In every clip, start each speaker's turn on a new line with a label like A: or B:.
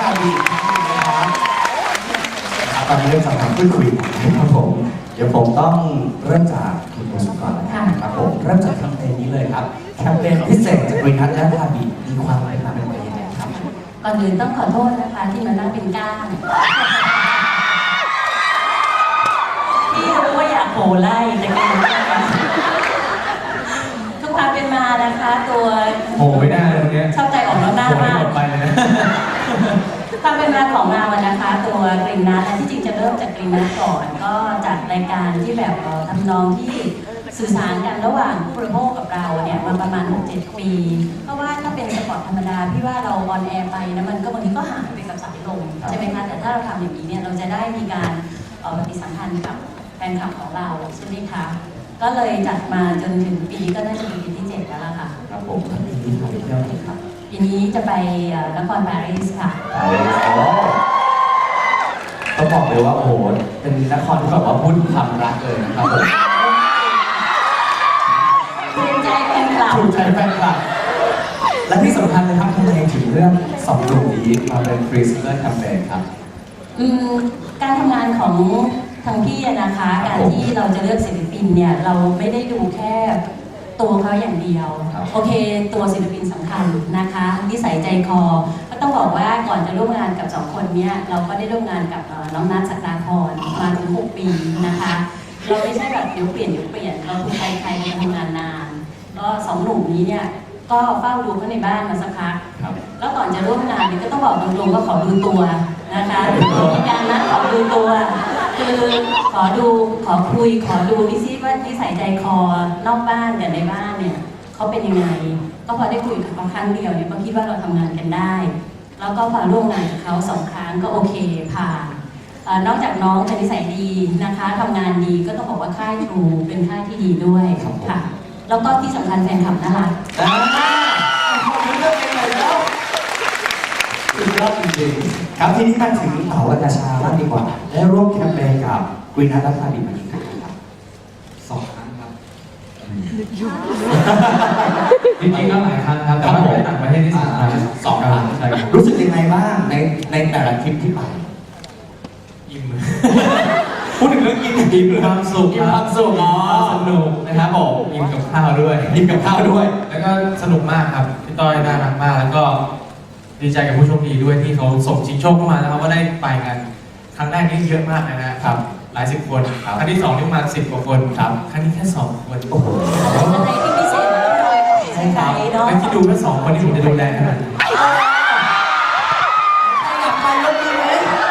A: ข่าวดีนะครับตอนนี้เริ่มจากการพูดคุยนะครับผมเดี๋ยวผมต้องเริ่มจากคุณโมสุก่อนนะครับผมเริ่มจากแคมเปญนี้เลยครับแคมเปญพิเศษจากบริษัทและพาบีมีความหมายเป็นยังไงครับ
B: ก่อนอื่นต้องขอโทษนะคะที่มานั่งเป็นก้างที่รู้ว่าอยากโหไล่แต่ก็ทุกความเป็นมานะคะตัว
C: โหไม่ได้เลยเนี่ย
B: ชอบใจออกแล้วหน้ามาก
C: หมดไปเลยนะ
B: ความเป็นมาของเราอะนะคะตัวกรีนนัทที่จริงจะเริ่มจากกรีนนัทก่อนก็จัดรายการที่แบบทำนองที่สื่อสารกันระหว่างผู้บริโภคกับเราเนี่ยมาประมาณ 6-7 ปี เพราะว่าถ้าเป็นสปอร์ตธรรมดาพี่ว่าเราออนแอร์ไปนะมันก็บางทีก็หายไปกับสายลมใช่ไหมคะแต่ถ้าเราทำอย่างนี้เนี่ยเราจะได้มีการปฏิสัมพันธ์กับแฟนคลับของเราใช่ไหมคะก็เลยจัดมาจนถึงปีก็น่าจะเป็นปีที่ 7 แล้วล่ะค่ะ
A: ครับผมปีนี้ไปเที่ยวไหนครับ
B: ปีนี้จะไปนครปารีสค่ะ
A: ต้องบอกเลยว่าโอ้โหเป็นนครที่แบบว่าพูดความรักเลยนะครับผม
B: ถูกใจแฟนคลับ
A: ถูกใจแฟนคลับและที่สำคัญเลยครับทำไมถึงเรื่องสองหนุ่มนี้มาเป็นฟรีสเตอร์แคมเปญครับ
B: การทำงานของทางพี่อะนะคะการที่เราจะเลือกศิลปินเนี่ยเราไม่ได้ดูแค่ตัวเขาอย่างเดียวโอเคตัวศิลปินสำคัญนะคะนิสัยใจคอก็ต้องบอกว่าก่อนจะร่วมงานกับ2 คนเนี่ยเราก็ได้ร่วมงานกับน้องนัท ศักดาพรมาถึง6 ปีนะคะเราไม่ใช่แบบเดี๋ยวเปลี่ยนเราคือใครๆมาทำงานนานก็2 หนุ่มนี้เนี่ยก็เฝ้าดูเขาในบ้านมาสักพักแล้วก่อนจะร่วมงานเนี่ยก็ต้องบอกตรงๆว่าขอดูตัวนะคะมีการนัดขอดูตัวคือขอดูขอคุยขอดูนิสิว่านิสัยใจคอนอกบ้านกับในบ้านเนี่ยเขาเป็นยังไงก็พอได้คุยกับเขาครั้งเดียวเนี่ยก็คิดว่าเราทำงานกันได้แล้วก็พอร่วมงานกับเขา2 ครั้งก็โอเคผ่านนอกจากน้องจะนิสัยดีนะคะทำงานดีก็ต้องบอกว่าค่ายทรูเป็นค่ายที่ดีด้วยค่ะแล้วก็ที่สำคัญแฟนคลับน่ารัก
A: สุดยอดจริงๆครับทีนี้มาถึงเต๋าและกระชาบ้างดีกว่าได้ร่วมแคมเปญกับกรีนนัทและพาบีมากี่ครั้งครับ
C: 2 ครั้งครับจริงๆก็หลายครั้งครับแต่ว่าไปต่างประเทศที่2 ครั้งใช่ครับ
A: รู้สึกยังไงบ้างในแต่ละทริปที่ไป
C: อิ่ม
A: พูดถึงเรื่องกิน
C: อิ่มความสุข
A: อิ่มความสุข
C: สนุกนะครับผมอิ่มกับข้าวด้วย
A: อิ่มกับข้าวด้วย
C: แล้วก็สนุกมากครับพี่ต้อยน่ารักมากแล้วก็ดีใจกับผู้โชคดีด้วยที่เขาส่งชิงโชคเข้ามานะครับว่าได้ไปกันครั้งแรกนี่เยอะมากเลยนะครับหลาย10 คนครั้งที่2นี่ประมาณ10 กว่าคนครับครั้งนี้แค่2 คนโอ้โห
B: อะไรที่พิเศษใช่ไหมเนาะ
C: ไม่คิดดูแค่2 คนที่ผมจะดูแลขนาดนี้
A: อยากไปยกมือไหม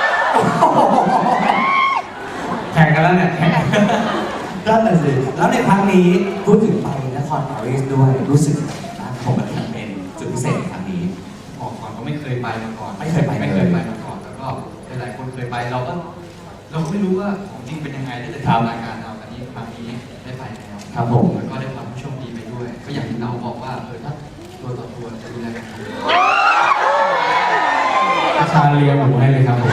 C: แข่งกันแล้วเนี่ย
A: นั่นแหละสิแล้วในครั้งนี้พูดถึงไปนครปารีสด้วยรู้สึกยังไงบ้างผมกับแคมเปญจุดพิเศษในครั้งนี้
D: บอกก่อนก็ไม่เคยไปมาก่อน
A: ไม่เคยไปเลย
D: ไม่เคยไปมาก่อนแล้วก็หลายๆคนเคยไปเราก็ไม่รู้ว่าของจริงเป็นยังไงได้แต่
A: ครับ
D: ทำรายการเราอันนี้ครั้งนี้ได้ไปแล้ว
A: ครับผม
D: แล้วก็ได้ความผู้โชคดีไปด้วย ก็อย่างที่เราบอกว่าถ้าตัวต่อตัวจะดูแลกันดี
C: ประชาเลียหมูให้เลยครับผม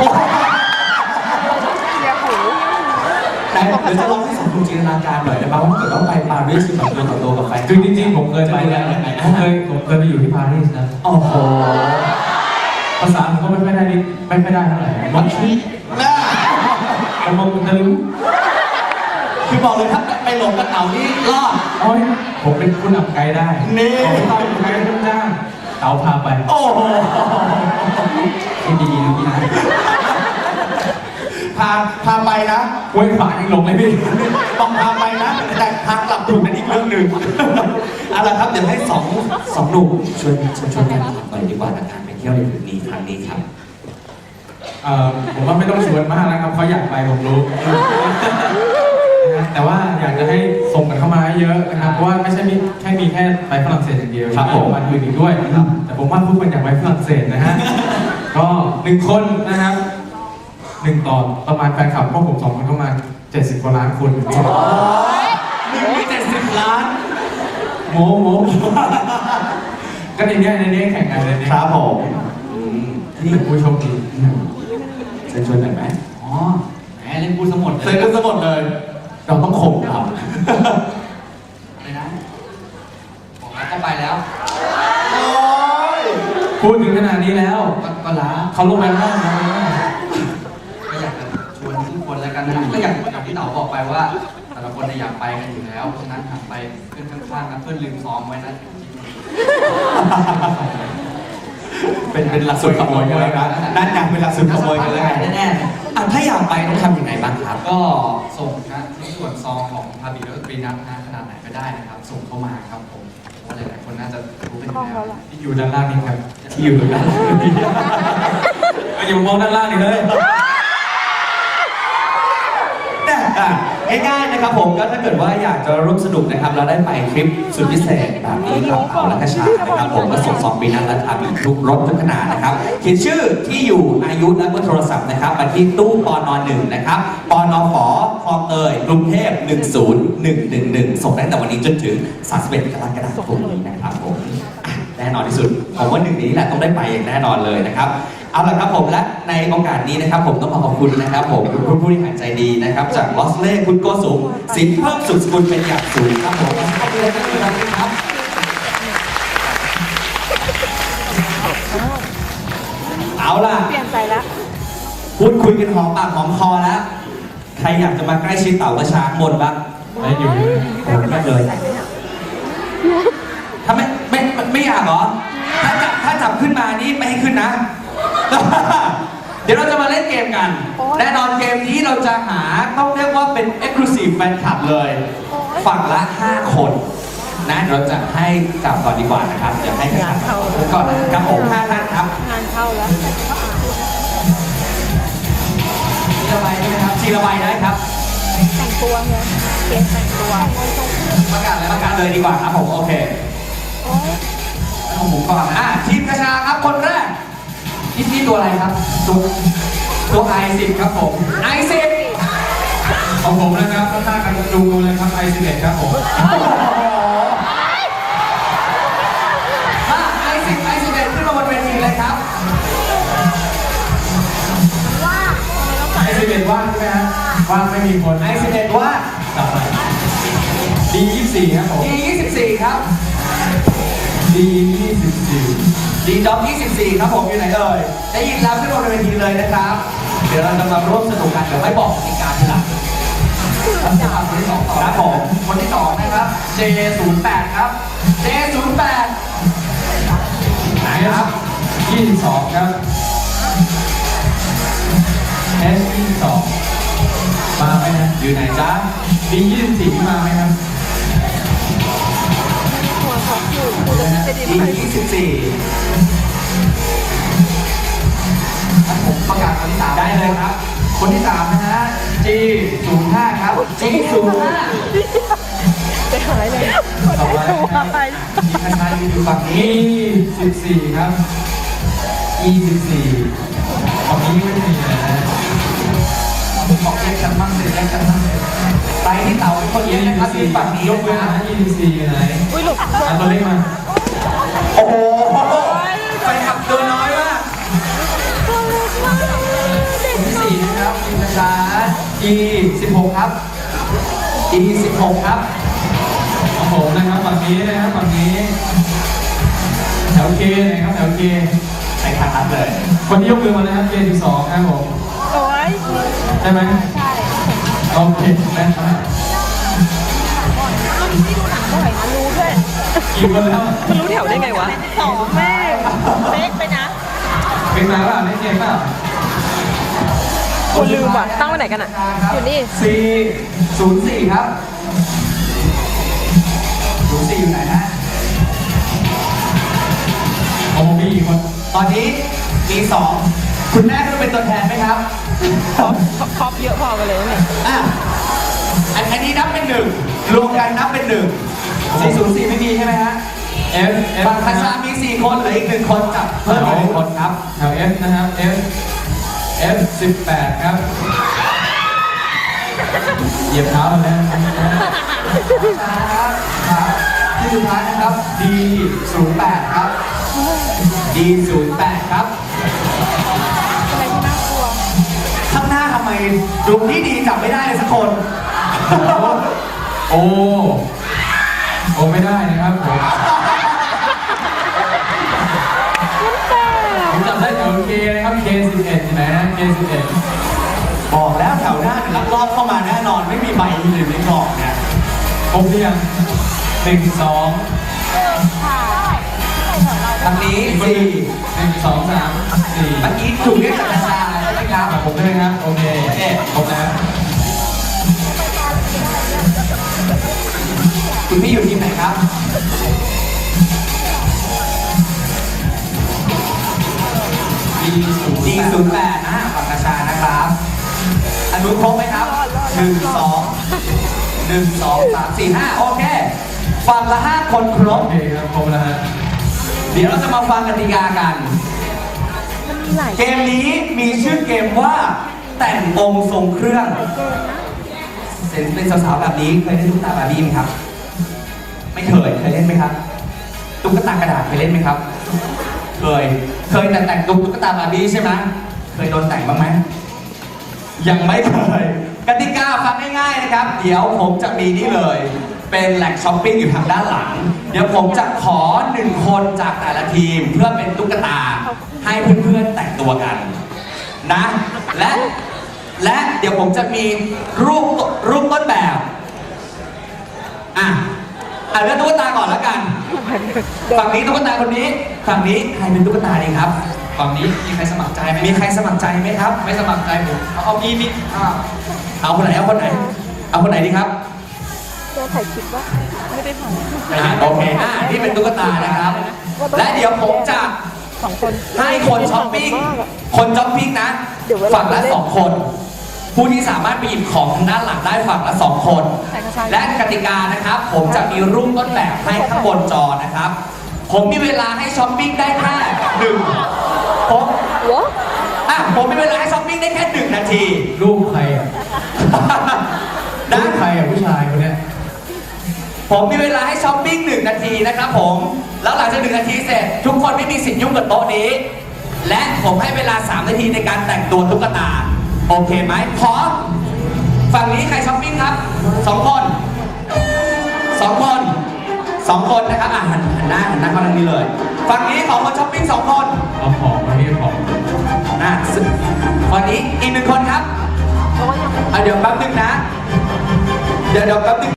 A: แต่เดี๋ยวจะลองให้สองคนจินตนาการหน่อยได้ไหมว่าเกิดว่าไปปารีสแบบตัวต่อตัวกับแฟน
C: คือจริงๆผมเคยไปแล้วผมเคยไปอยู่ที่ปารีสนะ
A: โอ้โห
C: ภาษาผมก็ไม่ค่อยได้เท่าไหร่
A: มันคิดนะ
C: แต่ผมจะรู้
A: คือบอกเลยถ้าไปหลงกับเต่านี่รอด
C: โอ้ยผมเป็นผู้นำไกด์ได้
A: นี่
C: ผมต้องไกด์ต้องจ้างเต๋าพาไป
A: โอ้โห
C: ที่ดีนะพี่นะ
A: พาไปนะ
C: ห้วยขวางยังหลงเลยพี่
A: ต้องพาไปนะ แต่ทางกลับถูกเป็นอีกเรื่องหนึ่งเอาละครับเดี๋ยวให้สองหนุ่มช่วยกันถามหน่อยดีกว่าในการไปเที่ยวในทริปนี้ครั้งนี้ครับ
C: ผมว่าไม่ต้องชวนมากแล้วครับเขาอยากไปผมรู้ นะแต่ว่าอยากจะให้ส่งกันเข้ามาเยอะนะครับเพราะว่าไม่ใช่มีแค่ไปฝรั่งเศสอย่างเดียว
A: ครับผม
C: มาอื่นอีกด้วยแต่ผมว่าทุกคนอยากไปฝรั่งเศสนะฮะ ก็1 คนนะครับ1 ต่อประมาณแฟนคลับพวกผม2 คนประมาณ70 กว่าล้านคน
A: 1 มี70 ล้าน
C: โม้ก็ในนี้แข่งกันเลย
A: ครับผม
C: นี่ผู้โชคดี
A: เชิญชวนหน่อยไหม
D: อ๋อแหมเล่นพูดสมด
A: เชิญกันสมดเลย เราต้องข่มครับ
D: อะไรนะบอกแล้วก็ไปแล้ว
A: โอ้ย
C: พูดถึงขนาดนี้แล้ว
D: ก็ล้า
C: เขาลงไปข้างล่างนะ
D: ก็อยากจะชวนทุกคนแล้วกันนะครับก็อย่างที่เต๋าบอกไปว่าแต่ละคนอยากไปกันอยู่แล้วเพราะฉะนั้นหันไปเพื่อนข้างๆนะเพื่อนลืมซ้อมไว้นะ
A: เป็นหลักสูตรขโมยกันแล้วนะนั่นยังเป็นหลักสูตรขโมยกันแล้วไงแน่ๆถ้าอยากไปต้องทำยังไงบ้างครับ
D: ก็ส่งนะที่ส่วนซองของพาบิโรตรีนัทนะขนาดไหนก็ได้นะครับ ส่งเข้ามาครับผมเพราะหลายๆคนน่าจะรู้กันอยู่แล้ว
C: ที่อยู่ด้านล่างนี่ครับ
A: ที่อยู่ตรงนั้น
C: อย่ามองด้านล่างนี่เลย
A: ง่ายๆนะครับผมก็ถ้าเกิดว่าอยากจะร่วมสนุกนะครับเราได้ไปคลิปสุดพิเศษแบบนี้กับเขาและกระชานะครับผมก็ส่งซองปีนั้นและทำอีกทุกรถทุกขนาดนะครับเขียนชื่อที่อยู่อายุและเบอร์โทรศัพท์นะครับมาที่ตู้ปน1นะครับปนฝคลองเตยกรุงเทพ10111ส่งได้แต่วันนี้จนถึง31กรกฎาคมนี้นะครับผมแน่นอนที่สุดผมว่าหนึ่งนี้แหละต้องได้ไปอย่างแน่นอนเลยนะครับเอาละครับผมและในโอกาสนี้นะครับผมต้องขอบคุณนะครับผมคุณผู้บริหารใจดีนะครับจากลอสเล่คุณโกสุมสินเพิ่มสุดสกุลเป็นอย่างสูงครับผมขอบคุณครับเอาล่ะเปลี่ยนใจแล้วพูดคุยกันหอมปากหอมคอแล้วใครอยากจะมาใกล้ชิดเต่ากระช้างบนบ้าง
C: ไม่อยู่
A: ผมไม่เลยถ้าไม่อยากเหรอถ้าจับขึ้นมานี่ไม่ให้ขึ้นนะ เดี๋ยวเราจะมาเล่นเกมกัน แน่นอนเกมนี้เราจะหาต้องเรียกว่าเป็น Exclusive Fan Club เลยฝั่งละ 5 คนนะเราจะให้จับก่อนดีกว่านะครับเดี๋ยวให้กันก่อนนะครับผม5ท่านครับงานเข้าแล้วทีละใบใช่ไหมครับทีละใบได้ครับ
E: แต่งตัวไงเกมแต่งตัว
A: ประกาศเลยดีกว่าครับผมโอเคของผมก่อนทีมกระชาครับคนแรกนี่ตัวอะไรครับตัวI10ครับผมI10
C: ของผมนะครับข้างๆกันดูเลยครับI11ครับผม
A: I10ขึ้นมาบนเวทีเลยครับ
C: I11ว่างใช่ไหมฮะว่างไม่มีคน
A: I11ว่าง
C: ต่อไปD24ครับผม
A: D24ครับ
C: D24
A: D-Dog 24ครับผมอยู่ไหนเอ่ยได้ยินแล้วขึ้นบนเวทีเลยนะครับเดี๋ยวเราจะมาร่วมสนุกกันเดี๋ยวไม่บอกกติกาทีหลังคนที่สองครับผมคนที่สองนะครับ J08 ครับ J08 ไหนครับ
C: 22ครับ S22 มาไหมนะ
A: อยู่ไหนจ๊ะ
C: D24 มาไหมครับ
A: D24ผมประกาศคนที่3ได้เลยครับคนที่3นะฮะ G05 ครับ G05
E: ไปหายเลย
C: ต่อไป
A: ที่ท่านชายอยู่ฝั่งนี้
C: E14ครับ E14 ฝั่งนี้ไม่มีนะ
A: บอกแยกกันมั่งเลยแยกกันมั่งเลยไปที่เต่าคนนี้นะครับที่ฝั่งนี้
C: ยกเว้นนะ E14 อยู่ไหน
E: อุ้ยหลุด
C: ตัวเล็กมา
A: โอ้โหไปขับตัวน้อยมากคนที่4นะครับทีมกระชา E16 ครับ E16 ครับ
C: ของผมนะครับฝั่งนี้นะครับฝั่งนี้แถวเคนะครับแถวเค
A: ใช้คันนัดเลย
C: คนที่ยกมือมานะครับ K12 ครับผม
E: โอ้ย
C: ใช่ไหม
E: ใช่
C: โอเคนะครับ
E: ที่ดูหนังบ่อยนะรู้ด้วย
C: กี่คนแล้ว
E: มันรู้แถวได้ไงวะสองแม่เป๊กไปนะ
C: เป็นมาป่ะไม่เก่งป่ะ
E: คนลืมว่ะตั้งไว้ไหนกันอ่ะอยู่นี่
A: 404ครับ04อยู่ไหนฮะ
C: โอ้มีอีกคน
A: ตอนนี้มี2คุณแม่ก็เป็นตัวแทนไหมครับ
E: ครอบเยอะพอกันเลยเนี่ย
A: อันนี้นับเป็น1รวมกันนับเป็น1 404ไม่มีใช่ไหมฮะ
C: F
A: ฝั่งคาชามี4คนเหลืออีก1คนกับเพิ่มอีก1คนครับ
C: แถว F นะครับ F18 ครับเหยียบเท้าแล้ว
A: ครับที่สุดท้ายนะครับ D08 ครับ D08 ครับ
E: อะไรที่น่ากลัว
A: ข้างหน้าทำไมดูที่ดีจับไม่ได้เลยสักคน
C: โอ้ไม่ได้นะครับผม
E: มันแปล
C: ผมจำได้แถว K นะครับ K11 ใช่ไหมฮะ K11
A: บอกแล้วแถวหน้าเนี่ยลักลอบเข้ามาแน่นอนไม่มีใบอยู่ในกล่องเนี่ย
C: ครบหรือยัง1 2
A: ทางนี้
C: 1 2 3
A: 4เมื่อกี้ถูกเรียกจากอาจารย์ใช่ไหมครับ
C: 4ผมด้วยครับโอเคครบแล้ว
A: คุณพี่อยู่ทีมไหนครับG08ฝั่งอาชานะครับอนุครบไหมครับ1 2 1 2 3 4 5โอเคฝั่งละ5คนครบ
C: โอเคครับครบแล้วฮะ
A: เดี๋ยวเราจะมาฟังกติกากัน เกมนี้มีชื่อเกมว่าแต่งองค์ทรงเครื่องเห็นเป็นสาวๆแบบนี้เคยเล่นตุ๊กตาบาร์บี้ไหมครับ ไม่เคยเล่นไหมครับ ตุ๊กตากระดาษเคยเล่นไหมครับ เคยแต่แต่งตุ๊กตาบาร์บี้ใช่ไหมเคยโดนแต่งบ้างไหมยังไม่เคยกติกาฟังง่ายๆนะครับ เดี๋ยวผมจะมีนี่เลย เป็นแหล่งช้อปปิ้งอยู่ทางด้านหลัง เดี๋ยวผมจะขอ1 คนจากแต่ละทีมเพื่อเป็นตุ๊กตาให้เพื่อนๆแต่งตัวกันนะและเดี๋ยวผมจะมีรูปต้นแบบเลือกตุ๊กตาก่อนแล้วกันฝั่งนี้ตุ๊กตาคนนี้ฝั่งนี้ใครเป็นตุ๊กตาดีครับ
C: ฝั่งนี้มีใครสมัครใจไหม
A: มีใครสมัครใจไหมครับ
C: ไม่สมัครใจผมเอามี
A: เอาคนไหนเอาคนไหนดีครับ
E: ตัวถ่ายคลิปว่าไม่ได้ถ่าย
A: โอเคนี่เป็นตุ๊กตานะครับ และเดี๋ยวผมจะ
E: 2 คน
A: ให้คนช้อปปิ้งนะ ฝั่งละ2 คน ผู้ที่สามารถไปหยิบของทางด้านหลังได้ฝั่งละ2 คน และกติกานะครับ ผมจะมีรูปต้นแบบให้ข้างบนจอนะครับ ผมมีเวลาให้ช้อปปิ้งได้แค่ผมมีเวลาให้ช้อปปิ้งได้แค่1 นาที
C: รูปใครอ่ะ รูปใครอ่ะผู้ชายคนเนี้ย
A: ผมมีเวลาให้ช้อปปิ้ง1 นาทีนะครับผม แล้วหลังจาก1 นาทีเสร็จ ทุกคนไม่มีสิทธิ์ยุ่งกับโต๊ะนี้ และผมให้เวลา3 นาทีในการแต่งตัวตุ๊กตา โอเคไหมพร้อมฝั่งนี้ใครช้อปปิ้งครับ2 คนนะครับหันหน้าเข้าทางนี้เลย ฝั่งนี้ขอคนช้อปปิ้ง2 คน
C: เอาของมาที่ของ
A: ฝั่งนี้อีก1 คนครับเดี๋ยวแป๊บนึงนะ เดี๋ยวแป๊บนึง